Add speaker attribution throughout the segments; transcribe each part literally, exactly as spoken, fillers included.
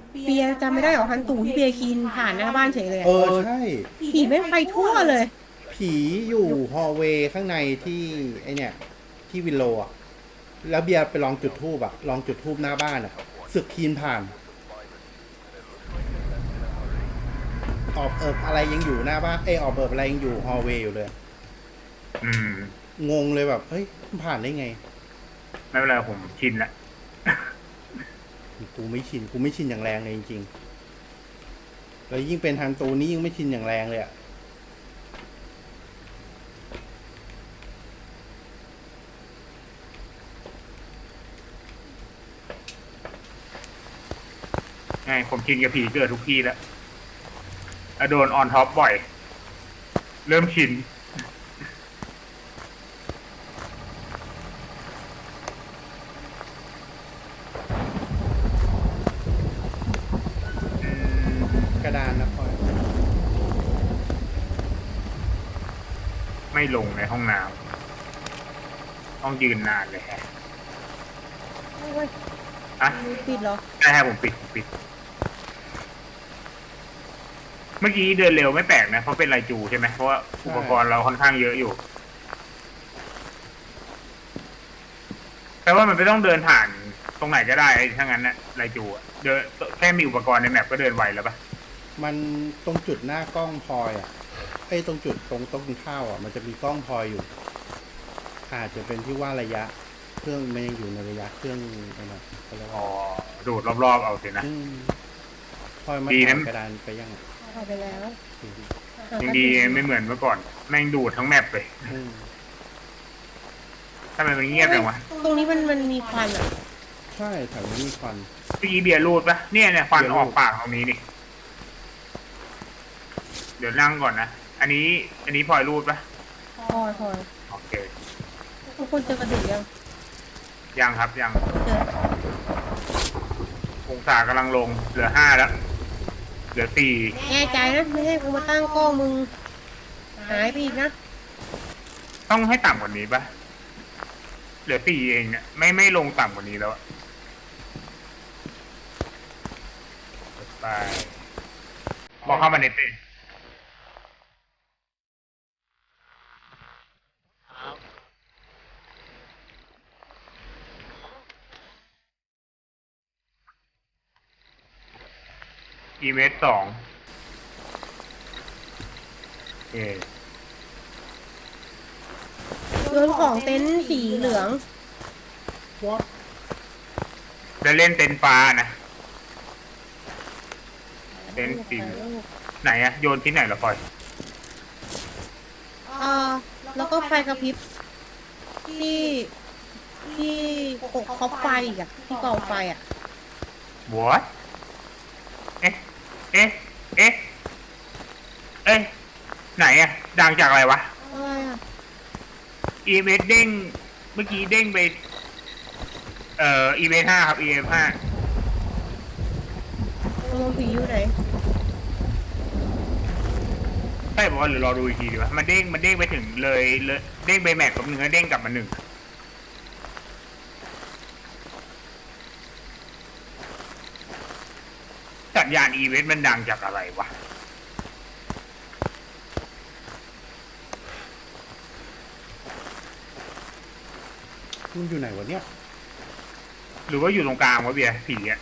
Speaker 1: เบียร์จำไม่ได้หรอฮันตู่ที่เบียร์กินผ่านหน้าบ้านเฉยเลย
Speaker 2: เออใช่
Speaker 1: ผีไม่ไปทั่วเลย
Speaker 2: ผีอยู่ฮอลเวย์ข้างในที่ไอเนี่ยที่วินโลอะแล้วเบียร์ไปลองจุดทูบอะลองจุดทูบหน้าบ้านอะสึกคีนผ่านออบเอิบอะไรยังอยู่หน้าบ้านเออออบเอิบอะไรยังอยู่ฮอลเวย์อยู่เลย
Speaker 3: อืม
Speaker 2: งงเลยแบบเฮ้ยมันผ่านได้ไง
Speaker 3: ไม่เป็นไรผมชินละ
Speaker 2: กูไม่ชินกูไม่ชินอย่างแรงเลยจริงๆแล้วยิ่งเป็นทางตูนี้ยิ่งไม่ชินอย่างแรงเลยอะ
Speaker 3: ไงผมชินกับผีเกิดทุกที่แล้วอะโดนออนท็อปบ่อย เริ่มชิน อืม
Speaker 2: กระดานนะพลอย
Speaker 3: ไม่ลงในห้องน้ำต้องยืนนานเลยฮะ
Speaker 1: โอ้ย
Speaker 3: อะ
Speaker 1: ปิดเหรอ
Speaker 3: ใช่ฮะผมปิดผมปิด เมื่อกี้เดินเร็วไม่แปลกนะ เพราะเป็นไรจูใช่ไหมเพราะว่าอุปกรณ์เราค่อนข้างเยอะอยู่แปลว่ามันไม่ต้องเดินผ่านตรงไหนก็ได้ถ้างั้นนะไรจูอะเดินแค่มีอุปกรณ์ในแมปก็เดินไวแล้วปะ
Speaker 2: มันตรงจุดหน้ากล้องพลอยอะไอ้ยตรงจุดตรงโต๊ะกินข้าวอะมันจะมีกล้องพลอยอยู่อาจจะเป็นที่ว่าระยะเครื่องมันยังอยู่ในระยะเครื่องอะไรนะเขาเรียก
Speaker 3: อ๋อ
Speaker 2: ว่า
Speaker 3: ดูดรอบๆเอาสินะ
Speaker 2: อืมพลอยมา
Speaker 3: ดีนะ
Speaker 2: ถ่ายกระดานไปยังอะ
Speaker 1: เอาไปแล้ว
Speaker 3: ยังดีไม่เหมือนเมื่อก่อน แม่งดูดทั้งแมปเลย
Speaker 2: อืม
Speaker 3: ทำไมมันเงียบจังวะ
Speaker 1: ตรงนี้มันมันมีควันอ่ะ
Speaker 2: ใช่แถวนี้มีควัน
Speaker 3: เมื่อกี้เบียร์รูดปะเนี่ยเนี่ยควัน
Speaker 2: เบียร์รู
Speaker 3: อ
Speaker 2: ด
Speaker 3: อกปากตรงนี้นี่เดี๋ยวนั่งก่อนนะ อันนี้ อันนี้พลอยรูดปะ
Speaker 1: พอยพอย
Speaker 3: โอเค
Speaker 1: ทุกคนเจอกระดูกยัง
Speaker 3: ยังครับยัง
Speaker 1: เจอ
Speaker 3: องศากำลังลง เหลือห้าแล้ว เหลือสี่
Speaker 1: แน่ใจนะไม่ให้กูมาตั้งกล้องมึงหายไปอีกนะ
Speaker 3: ต้องให้ต่ำกว่านี้ปะเหลือสี่เองเนี่ยไม่ไม่ลงต่ำกว่านี้แล้วอะไปบอกเข้ามาในเต้นอีเมสสองเอ
Speaker 1: โยนของเต็นท์สีเหลือง
Speaker 2: วอท
Speaker 3: จะเล่นเต็นท์ฟ้านะ เต็นท์สีไหนอะโยนที่ไหนเหรอพลอย
Speaker 1: เออแล้วก็ไฟกระพริบที่ที่กกคอปไฟอีกอะที่กองไฟอะ
Speaker 3: What เอ๊ะ เอ๊ะ เอ๊ะ เอ๊ะ ไหนอะดังจากอะไรวะ
Speaker 1: อะไรอะ
Speaker 3: อีเมสเด้ง เมื่อกี้เด้งไป เอ่อ อีเมสห้าครับ อีเมสห้า
Speaker 1: ตรงผีอยู่ไหน
Speaker 3: ใช่บอกว่าหรือรอดูอีกทีดีวะมันเด้ง มันเด้งไปถึงเลยเลยเด้งไปแมทกับหนึ่งแล้วเด้งกลับมาหนึ่งสัญญาณอีเวนต์มันดังจากอะไรวะ
Speaker 2: มันอยู่ไหนวะเนี่ย
Speaker 3: หรือว่าอยู่ตรงกลางวะเบียร์ผีอะ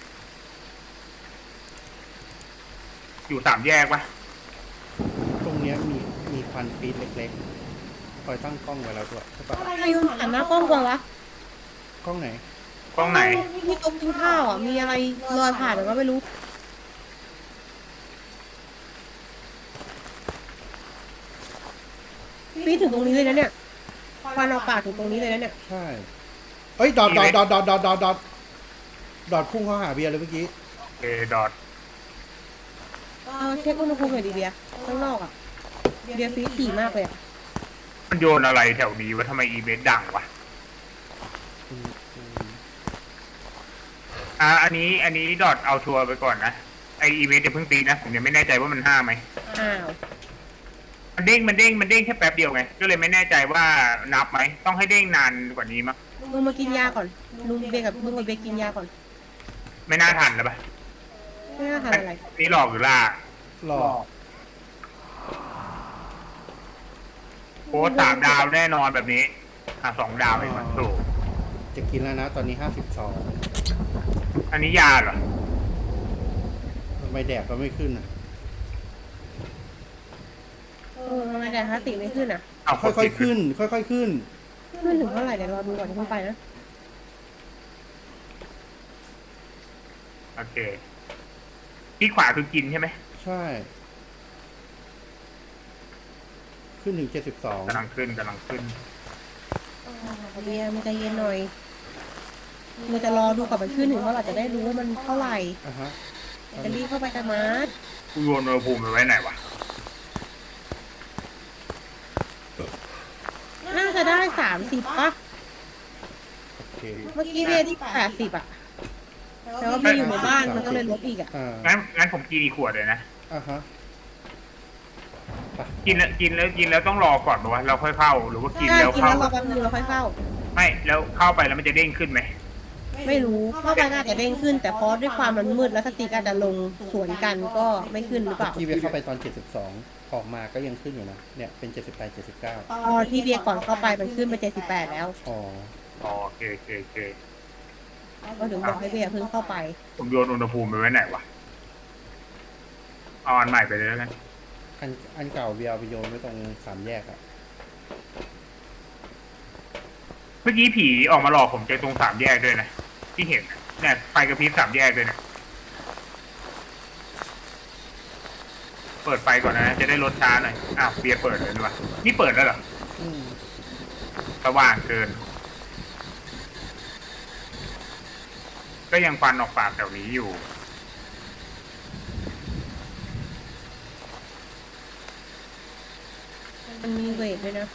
Speaker 3: อยู่สามแยกปะ
Speaker 2: ตรงเนี้ยมีมีควันฟีดเล็กๆคอยตั้งกล้องไว้แล้วด้วยใช่ปะ
Speaker 1: อะไรโยนผ่านหน้ากล้องก่อนวะ
Speaker 2: กล้องไหน
Speaker 3: กล้องไหน
Speaker 1: ที่โต๊ะกินข้าวอ่ะ มีอะไรลอยผ่านหรือว่าไม่รู้ปีถึงตรงนี้เลยนะเนี่ยควันออกปากถึงตรงนี้เลยนะเนี่ย
Speaker 2: ใช่เอ้ยดอดดอดดอดดอดดอดดอดดอดดอดพุ่งเข้าหาเบียร์เลยเมื่อกี้
Speaker 3: เอดอท
Speaker 1: เออเช็คอุณหภูมิหน่อยดิเบียร์ข้างนอกอ่ะ เบียร์ฟีดถี่มากเลยอ่ะ
Speaker 3: มันโยนอะไรแถวนี้วะทำไมอีเวนต์ดังวะ
Speaker 2: อืมอืม
Speaker 3: อ่ะอันนี้ อันนี้ดอทเอาชัวร์ไปก่อนนะ ไออีเวนต์จะเพิ่งตีนะ ผมยังไม่แน่ใจว่ามันห้าไหม
Speaker 1: อ้าว
Speaker 3: มันเด้ง มันเด้ง มันเด้งแค่แป๊บเดียวไง ก็เลยไม่แน่ใจว่านับไหม ต้องให้เด้งนานกว่านี้มั้ง
Speaker 1: ลุงมากินยาก่อน ลุงเบียร์กับลุงกับเบียร์กินยาก่อน
Speaker 3: ไม่น่าทันแล้วปะ
Speaker 1: ไาทานอะไร
Speaker 3: นี่หลอกหรือล่า
Speaker 2: หลอก
Speaker 3: โค้ดสามดาวแน่นอนแบบนี้อ่ะสองดาวเองมันถูก
Speaker 2: จะกินแล้วนะตอนนี้ห้าสิบสอง
Speaker 3: อันนี้ยาเหรอ
Speaker 2: ทำไมแดกก็ไม่ขึ้นอ่ะ
Speaker 1: เออทำไมแต่ถ้าติไม่ขึ้นอ่ะ
Speaker 3: เอา
Speaker 2: ค่อยๆขึ้น ค่อยๆขึ้น
Speaker 1: ขึ้นถึงเท่าไหร่เดี๋ยวรอดูก่อนที่เพิ่งไปนะ
Speaker 3: โอเคที่ขวาคือกินใช่ไหม
Speaker 2: ใช่ ขึ้นถึงเจ็ดสิบสอง
Speaker 3: กำลังขึ้นกำลังขึ้น
Speaker 1: เบียร์มันใจเย็นหน่อยเราจะรอดูก่อนมันขึ้นถึงเท่าไหร่จะได้รู้ว่ามันเท่าไหร่
Speaker 2: อ่ะฮะ
Speaker 1: จะรีบเข้าไปกันมาร์ท
Speaker 3: กูโยนอุณหภูมิไปไว้ไหนวะ
Speaker 1: น่าจะได้สามสิบป่ะ
Speaker 2: โอเค
Speaker 1: เมื่อกี้เบียร์ที่แปดสิบอ่ะแต่ว่าเบียร์อยู่ในบ้านมันก็เลยลบอีกอ่ะ
Speaker 2: อ่า
Speaker 3: งั้นงั้นผมกินอีกขวดเลยนะ
Speaker 2: อ่ะฮะ
Speaker 3: กินแล้วกินแล้วกินแล้วต้องรอก่อนปะวะเราค่อยเข้าหรือว่ากิน
Speaker 1: ถ้า
Speaker 3: แล้ว
Speaker 1: กิน
Speaker 3: เข้า
Speaker 1: แล้วรอแป๊บนึงเราค่อยเข้า
Speaker 3: ไม่แล้วเข้าไปแล้วมันจะเด้งขึ้นไหม
Speaker 1: ไม่รู้เข้าไปน่าจะเด้งขึ้น แต่เพราะด้วยความมันมืดแล้วสติกอาจจะลงสวนกันก็ไม่ขึ้นหรือเปล่า
Speaker 2: ที่เบียร์เข้าไปตอนเจ็ดสิบสองออกมาก็ยังขึ้นอยู่นะ เนี่ยเป็นเจ็ดสิบแปด เจ็ดสิบเก้า
Speaker 1: ตอนที่เบียร์ก่อนเข้าไปมันขึ้นไปเจ็ดสิบแปดแล้ว
Speaker 2: อ๋อ
Speaker 3: อ๋อโอเคโอเคโอเค
Speaker 1: ก็ถึงบอกให้เบียร์เพิ่งเข้าไป
Speaker 3: ผมโยนอุณหภูมิไปไว้ไหนวะเอาอันใหม่ไปเลยแล้วกัน
Speaker 2: อันอันเก่าเบียร์เอาไปโยนไว้ตรงสามแยกอะ
Speaker 3: เมื่อกี้ผีออกมาหลอกผมเจอตรงสามแยกด้วยนะที่เห็นน่ะเนี่ยไฟกระพริบสามแยกด้วยเนี่ยเปิดไฟก่อนนะจะได้ลดช้าหน่อยอ้าวเบียร์เปิดเลยดีกว่านี่เปิดแล้วเหรอ
Speaker 2: อืม
Speaker 3: สว่างเกิน ก็ยังฟันออกปากแถวนี้อยู่
Speaker 1: มันมีเวทด้วยนะ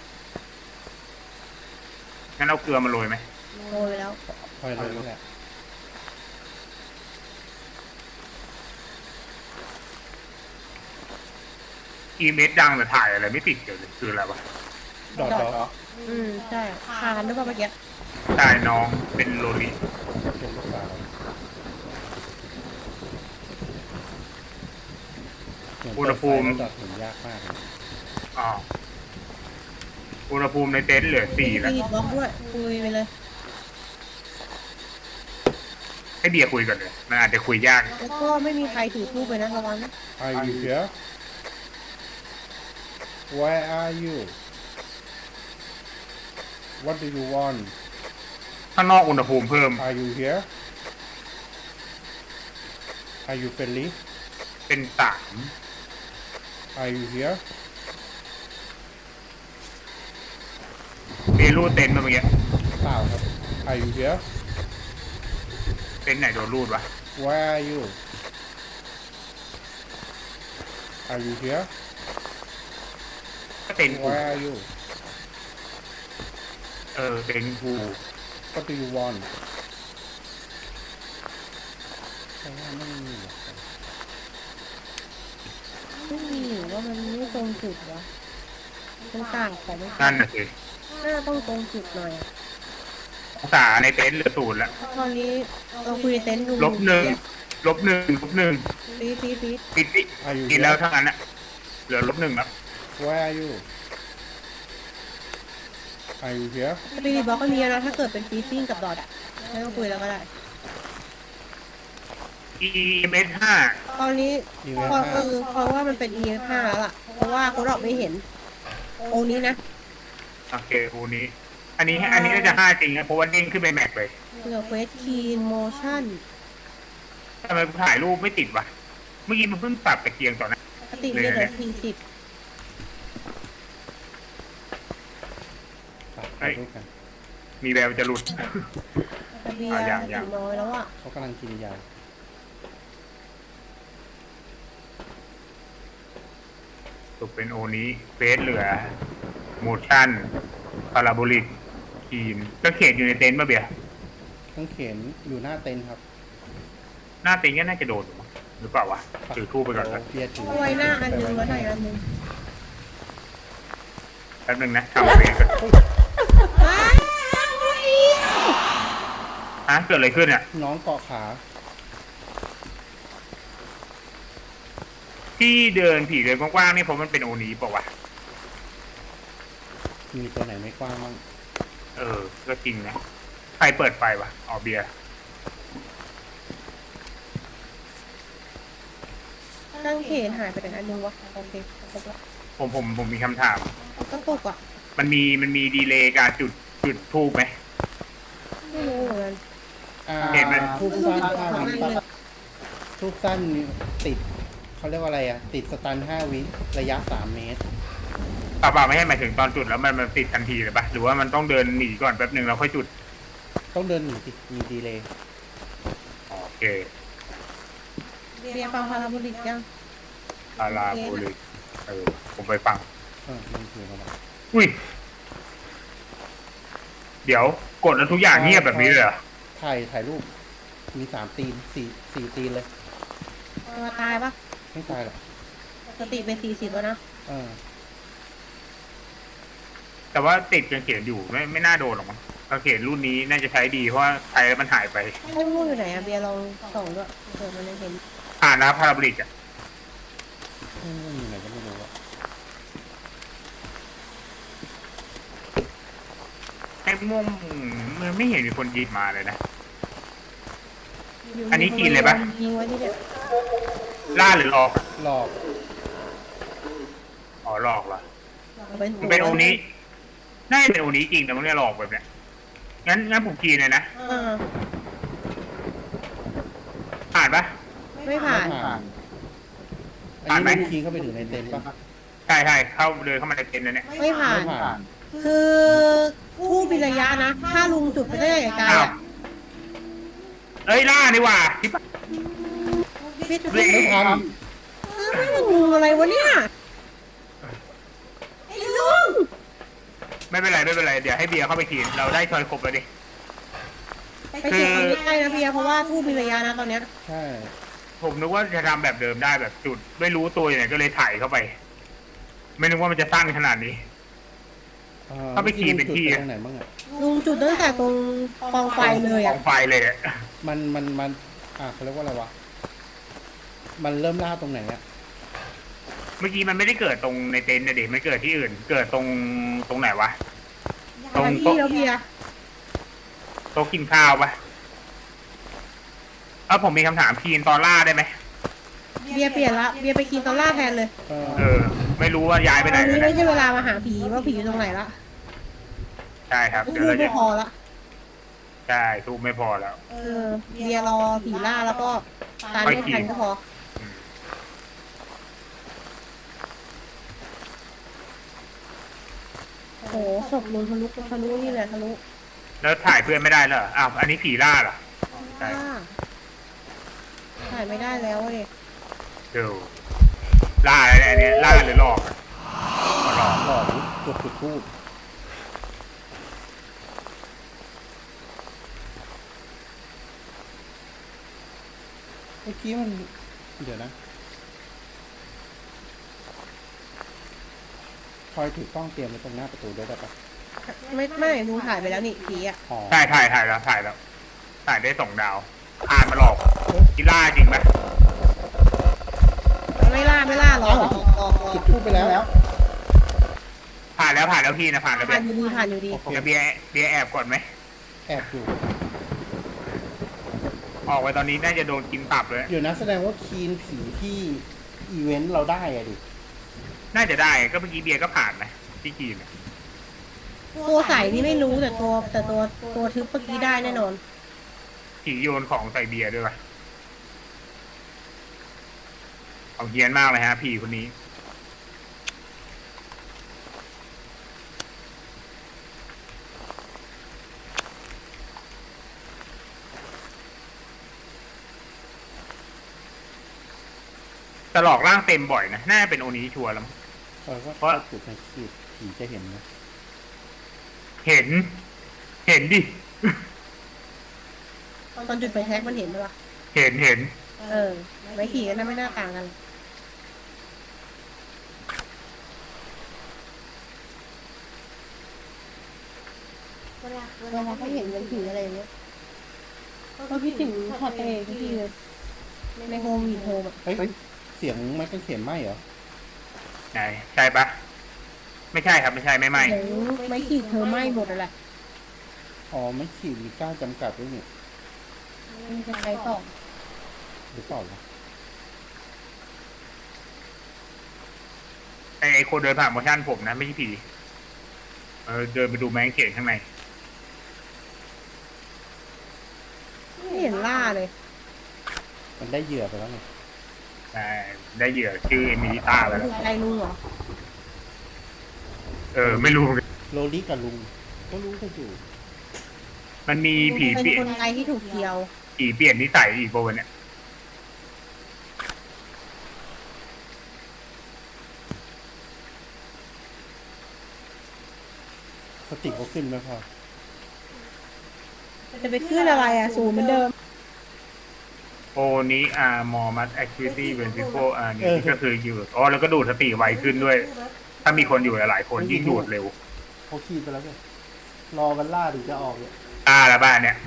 Speaker 3: งั้นเอาเกลือมาโรยไหม
Speaker 1: โรยไปแล้ว
Speaker 2: คอยเลยนั่นแหละ
Speaker 3: อีเมสดังแต่ถ่ายอะไรไม่ติดเกี่ยวเลยคืออะไรวะ
Speaker 2: ดอดดอ
Speaker 1: อืมใช่คานด้วยป่ะเมื่อกี้
Speaker 3: ตายน้องเป็นโลลิ
Speaker 2: เป็นลูกสาวเหมือนเปิดไฟแล้วดอดเห็นยากมากเลย
Speaker 3: อ๋ออุณหภูมิในเต็นท์เหลือสี่แล้ว
Speaker 1: มีบล็อกด้วยคุยไปเลย
Speaker 3: ให้เบียร์คุยก่อนเลยมันอาจจะคุยยาก
Speaker 1: แล้วก็ไม่มีใครถือทูบไปนะระวังนะ
Speaker 2: Are you here Where are you What do you want
Speaker 3: ข้างนอกอุณหภูมิเพิ่ม
Speaker 2: Are you here Are you friendly
Speaker 3: เป็นสาม
Speaker 2: Are you here
Speaker 3: เบียร์รูดเต็นท์มาเมื่อกี้
Speaker 2: เปล่าครับ Are you here
Speaker 3: เต็นท์ไหนโดนรูดวะ
Speaker 2: Where are you Are you here
Speaker 3: ก็เต็นท์กู
Speaker 2: Where are you
Speaker 3: เออเต็นท์กู
Speaker 2: What do you want ใช่ว่าไม่มีหรอก
Speaker 1: ไม่มีหรือว่ามันไม่ตรงจุดวะมันต่างของไม่
Speaker 3: นั่นน่ะสิ
Speaker 1: น่าต้องตรงจุดหน่อย
Speaker 3: องศาในเต็นท์เหลือศูนย์แล้ว
Speaker 1: ตอนนี้เราคุยในเต็นท์ดู
Speaker 3: ลบหนึ่งลบหนึ่งลบหนึ่ง
Speaker 1: ฟีดฟีดฟีด
Speaker 3: ปิดปิด
Speaker 2: Are you
Speaker 3: กินแล้ว
Speaker 2: here
Speaker 3: ทั้งนั้นอะเหลือลบหนึ่งแล้ว
Speaker 2: Where are you Are you here
Speaker 1: สปิริตบล็อกก็มีนะถ้าเกิดเป็นฟีซิ่งกับดอทอะไม่ต้องคุยแล้วก็ได้
Speaker 3: อีเมสห้า
Speaker 1: ตอนนี้
Speaker 2: อี
Speaker 1: เพ
Speaker 2: เวนต์
Speaker 1: ราะ
Speaker 2: ห้า
Speaker 1: เออเพราะว่ามันเป็น อี เอฟ ห้า แล้วล่ะ เพราะว่าเขาดอกไม่เห็นองค์นี้นะ
Speaker 3: โอเคคูนี้ อันนี้อันนี้น่าจะห้าจริงนะเพราะว่าเด้งขึ้นไปแม็กเลย
Speaker 1: เหลือเควสคีนโมชั่น
Speaker 3: ทำไมกูถ่ายรูปไม่ติดวะเมื่อกี้มันเพิ่งปรับตะเกียงต่อนะ
Speaker 1: ปกติเนี่ยเหลือสี่สิบ
Speaker 2: ไปรูปกัน
Speaker 3: มีแววจะหลุด
Speaker 1: แต่เบีย
Speaker 3: อ่ะ
Speaker 1: ร์
Speaker 3: ยังยัง
Speaker 1: ถึงน้อยแล้วอ่ะ
Speaker 2: เขากำลังกินยา
Speaker 3: ตกเป็นโอนี้เฟสเหลือโมชั่นพาราโบลิกคีนก็เขตอยู่ในเต็นท์มาเบียร์
Speaker 2: ทั้งเข็นอยู่หน้าเต็นท์ครับ
Speaker 3: หน้าเต็นท์ก็น่าจะโดนอยู่มั้งหรือเปล่าวะถือทูบไปก่อนนะ
Speaker 2: เบียร์ถือ
Speaker 1: เอาไว้หน้าอันนึงไว้ไหนอันนึง
Speaker 3: แป๊บนึงนะทำเฟสก่อน
Speaker 1: อ้าว
Speaker 3: ฮะเกิดอะไรขึ้นอ่ะ
Speaker 2: น้องเกาะขา
Speaker 3: ที่เดินผีเดินกว้างๆนี่เพราะมันเป็นโอนี้เปล่าวะ
Speaker 2: มีตัวไหนไม่กว้างบ้าง
Speaker 3: เออ ก็จริงนะใครเปิดไฟวะอ๋อเบียร์
Speaker 1: ตั้งเขนหายไปไหนอันนึงวะโอเคครบละ
Speaker 3: ผมผมผมมีคำถาม
Speaker 1: ต้องตุกอ่ะ
Speaker 3: มันมีมันมีดีเลย์การจุดจุดทูบไหม
Speaker 1: ไม่รู้เหมือนกัน
Speaker 2: อ่า
Speaker 3: เห็นไหม
Speaker 2: ทุกสั้นห้า
Speaker 1: ไม่
Speaker 2: วิ
Speaker 1: รู้เลย
Speaker 2: ทุกสั้นติดเขาเรียกว่าอะไรอ่ะ ติดสตันห้าวิระยะสามเมตร
Speaker 3: เปล่าๆไม่ใช่หมายถึงตอนจุดแล้วมันมันติดทันทีเลยปะหรือว่ามันต้องเดินหนีก่อนแป๊บหนึ่งแล้วค่อยจุด
Speaker 2: ต้องเดินหนีติดมีดีเลย
Speaker 3: โอเค
Speaker 1: เบียร์ฟังพาราโบลิกยัง
Speaker 3: ลาลาโบลิกเออผมไปฟัง
Speaker 2: เออมันคืออะไร
Speaker 3: อุ้ย เดี๋ยวกดแล้วทุกอย่างเงียบแบบนี้เลยเหรอ
Speaker 2: ถ่ายถ่ายรูป มีสามตีนสี่สี่ตีนเลย
Speaker 1: มาตายปะ
Speaker 2: ไม่ตายหรอก
Speaker 1: สติเป็นสี่สิบแล้วนะ
Speaker 2: เออ
Speaker 3: แต่ว่าติดกางเขนอยู่ไม่ไม่น่าโดนหรอกมั้งกางเขนรุ่นนี้น่าจะใช้ดีเพราะว่าใช้แล้วมันหายไป
Speaker 1: ไม่รู้อยู่ไหนอะเบียร์ลองส่องด้วยเผื่อมันยังเห็น
Speaker 3: อ่านนะพาราบริกอะ
Speaker 2: ไม่รู้อยู่ไหนก็ไม่รู้อะ
Speaker 3: ไอ้ม่วงมันไม่เห็นมีคนหยิบมาเลยนะ อันนี้กินเลยปะ
Speaker 1: ยิงไว้ที่เด็ด
Speaker 3: ล่าหรือหลอก
Speaker 2: หลอก
Speaker 3: อ๋อหลอกเหรอ
Speaker 1: เอาไปถู
Speaker 3: มันเป็นโอนี้น่าจะเป็นโอนี้จริงแต่มันเรียกหลอกแบบเนี้ยงั้นงั้นผมกินเลยนะ
Speaker 1: เออ
Speaker 3: ผ่านปะ
Speaker 1: ไม่ผ่าน
Speaker 2: ไม่ผ่าน อัน
Speaker 3: ผ่าน
Speaker 2: นี้
Speaker 3: ไหม
Speaker 2: มันคีย์เข้าไปถึงในเต็นท์ปะ
Speaker 3: ใช่ใช่เข้าเดินเข้ามาในเต็นท์แล้วเนี่ย
Speaker 1: ไม่ผ่าน
Speaker 2: ไม่ผ่าน
Speaker 1: คือผู้มีระยะนะ ถ้าลุงจุดไปได้ไกลๆ
Speaker 3: อ้าว
Speaker 1: อ่ะ
Speaker 3: เอ้ยล่าดีกว่าที่ปะ
Speaker 1: พี่จุด
Speaker 3: เฮ้ย
Speaker 2: ไม่ทัน
Speaker 1: ไม่ลุงอะไรวะเนี่ยไอ้ลุง
Speaker 3: ไม่เป็นไรไม่เป็นไรเดี๋ยวให้เบียร์เข้าไปกินเราได้ชอยครบแล้วดิ
Speaker 1: ไปเก็บมันไม่ได้นะเบียร์เพราะว่าผู้มีระยะนะตอนเนี้ย
Speaker 2: ใช่
Speaker 3: ผมนึกว่าจะทำแบบเดิมได้แบบจุด ไม่รู้ตัวอย่างไรก็เลยถ่ายเข้าไป ไม่นึกว่ามันจะสั้นขนาดนี้
Speaker 2: อ่
Speaker 3: เข้าไปคีย์เป็นที่
Speaker 2: จุดไปตรงไหนบ้างอะ
Speaker 1: ลุงจุดตั้งแต่ตรงกองไฟเลย
Speaker 3: ข
Speaker 1: อ่ะ
Speaker 3: องไฟเลยอะ
Speaker 2: มันมันมันอ่าเขาเรียกว่าอะไรวะ มันเริ่มล่าตรงไหนอะ
Speaker 3: เมื่อกี้มันไม่ได้เกิดตรงในเต็นท์นะเด็กมันเกิดที่อื่น เกิดตรงตรงไหนวะ ตรง
Speaker 1: ที่แล้วเบียร์
Speaker 3: โต๊ะกินข้าวปะเออผมมีคำถามพีนตอนล่าได้ไหม
Speaker 1: เบียร์เปลี่ยนละเบียร์ไปกินตอนล่าแทนเลย
Speaker 2: เออ
Speaker 3: เออ ไม่รู้ว่าย้ายไป
Speaker 1: ต
Speaker 3: ไหน
Speaker 1: อนนี้
Speaker 3: แล้ว
Speaker 1: ไม่
Speaker 3: นะ
Speaker 1: ใช่เวลามาหาผีว่าผีอยู่ตรงไหนละ
Speaker 3: ใช่ครับ
Speaker 1: พู
Speaker 3: เดี๋ยวเรา
Speaker 1: ดไม่
Speaker 3: จะ
Speaker 1: พอละ
Speaker 3: ใช่ทูบไม่พอแล้ว
Speaker 1: เออเบียร์รอผีล่าแล้วก็ตามไม่ทันก็พอ
Speaker 3: อืม
Speaker 1: โอ้โหศพลุงทะลุทะลุนี่เลยทะลุ
Speaker 3: แล้วถ่ายเพื่อนไม่ได้เหรออ้าวอันนี้ผีล่าเหรอ ใช่
Speaker 1: ล่าถ่ายไม่ได้แล้วเลย
Speaker 3: เดี๋ยวล่าอะไรเนี่ยอันเนี้ยล่าหรือหลอกอะอ๋อหลอก
Speaker 2: หลอกกดจุดทูบเมื่อกี้มัน เดี๋ยวนะคอยถือกล้องเตรียมไว้ตรงหน้าประตูด้วยได้ปะ
Speaker 1: ไม่ไม่ลุงถ่ายไปแล้วนี่ผีอ่ะ
Speaker 2: อ๋อ
Speaker 3: ใช่ถ่ายถ่ายแล้วถ่ายแล้ว ถ่ายได้สองดาวผ่านมาหลอกกีล่าจริงไหม
Speaker 1: ไม่ล่าไม่ล่าหรอกหลอกหลอกหลอ
Speaker 2: จุ
Speaker 1: ก
Speaker 2: ดทูบไปแล้ว
Speaker 3: ผ่านแล้วผ่านแล้วพี่นะผ่านแล้วเบี
Speaker 1: ผ่าย น
Speaker 3: ร์
Speaker 1: อยู่ดีผ่านอยู่ดี
Speaker 2: โอเค
Speaker 3: จะเบียร์เบียร์แอบก่อนไหม
Speaker 2: แอบอยู่
Speaker 3: ออกไปตอนนี้น่าจะโดนกินตับเลย
Speaker 2: เดี๋ยวนะแสดงว่าคีนผีที่อีเวนต์เราได้อะดิ
Speaker 3: น่าจะได้ก็เมื่อกี้เบียร์ก็ผ่านนะที่กินอะ
Speaker 1: ตัวใสนี่ไม่รู้แต่ตัวแต่ตัวตัวทึบเมื่อกี้ได้แน่นอน
Speaker 3: ผีโยนของใส่เบียร์ด้วยป่ะเอาเฮี้ยนมากเลยฮะผีคนนี้ แต่หลอกร่างเต็มบ่อยนะ น่าจะเป็นโอนี้ชัวร์แล้วมั้ง
Speaker 2: เออก็
Speaker 3: เพราะ
Speaker 2: ถ้าจุดในขีดผีจะเห็นนะ
Speaker 3: เห็น เห็นดิ
Speaker 1: ตอนจุดไปแท็กมันเห็นไหมวะ
Speaker 3: เห็นเห็น
Speaker 1: เออไม้ขี่กันนะไม่น่าต่างกันเวลาเขาเห็นเป็นผีอะไรอย่างเงี้ยก็คิดถึงช็อตตัวเองทุกทีเลยในโฮมวีดโฮมอ่ะ
Speaker 2: เฮ้ยเสียงไม้กางเขนไหมเหรอ
Speaker 3: ไหนใช่ปะไม่ใช่ครับไม่ใช่ไม่ไหม
Speaker 1: เดี๋ยวไม่ขีดเธอไหม้หมดเลยแหละ
Speaker 2: อ๋อไม่ขีดมีกล้าจำกัดด้วยนี่
Speaker 1: มันจะใช้ต่อ
Speaker 2: หรือเปล่าวะ
Speaker 3: ไอไอคนเดินผ่านโมชั่นผมนะไม่ใช่ผีเออเดินไปดูแมงเขนข้างใน
Speaker 1: ไม่เห็นล่าเลย
Speaker 2: มันได้เหยื่อไปแล้วไง
Speaker 3: ได้ได้เหยื่อชื่อเอมิลิต้าไปแล้
Speaker 1: ถู
Speaker 3: ว
Speaker 1: กใจลุงเหรอ
Speaker 3: เออไม่รู้เหมือนกัน
Speaker 2: โรลี่กับลุงก็รู้กันอยู่
Speaker 3: มันมีผี
Speaker 1: เป็น
Speaker 3: เปลี่ย
Speaker 1: คน นไทยที่ถูกเที่ยว
Speaker 3: ผีเปลี่ยนนิสัยอีกปะวะเนี่ย
Speaker 2: สติเขาขึ้นไหมพอ
Speaker 1: จะไปขึ้นอะไรอ่ะศูนย์เหมือนเดิม
Speaker 3: โอนี้อ่ามอมัสแอคทิวิตี้เวนซิโฟอ่านี่ก็คืออยู่อ๋อแล้วก็ดูดสติไวขึ้นด้วย ถ้ามีคนอยู่หลายๆคนยิ่งดูดเร็ว
Speaker 2: เขาขีดไปแล้วไงรอมันล่าถึงจะออกเนี่ย
Speaker 3: อ่าแล้วบ้านเนี่ย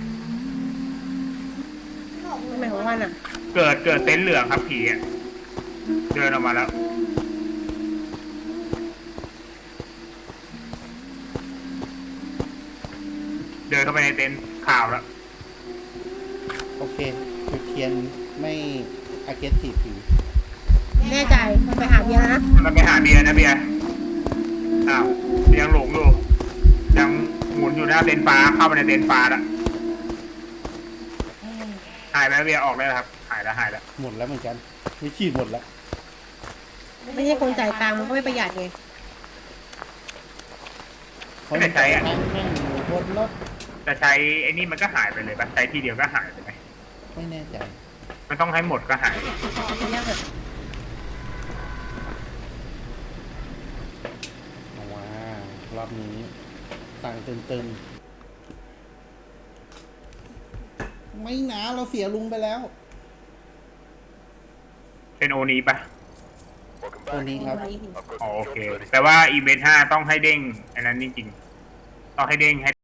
Speaker 1: ทำไมของมันอ่ะ
Speaker 3: เกิดเกิดเต็นท์เหลืองครับผีอะเดินออกมาแล้ว เดินเข้าไปในเต็นท์ข่าวแล้ว
Speaker 2: โอเคจุดเทียนไม่อาเกสทีฟผี
Speaker 1: แน่ใจไปหาเบียร์นะ
Speaker 3: มันไปหาเบียร์นะเบียร์อ้าวยังหลงอยู่ยังหมุนอยู่หน้าเต็นท์ฟ้าเข้าไปในเต็นท์ฟ้าแล้วหายไปแล้วเบียร์ออกได้แล้วครับหายแล้วหายแล้ว
Speaker 2: หมดแล้วเหมือนกันไม่ขีดหมดแล้ว
Speaker 1: ไม่ใช่คนจ่ายตังค์มันก็ไม่ประหยัดไง
Speaker 2: เพราะมันจะนั่งนั่งอยู่บนรถ
Speaker 3: จะใช้ไอ้นี่มันก็หายไปเลยปะใช้ทีเดียวก็หายไปไหม
Speaker 2: ไม่แน่ใจ
Speaker 3: มันต้องให้หมดก็หาย
Speaker 1: เรียกแบบ
Speaker 2: เอาว่ารอบนี้ต่างเติมๆไม่นะเราเสียลุงไปแล้ว
Speaker 3: เป็นโอนี้ปะ
Speaker 2: ตัวนี้ครับ
Speaker 3: อ๋อโอเค แต่ว่าอีเวนต์ห้าต้องให้เด้งอันนั้นจริงๆต้องให้เด้งให้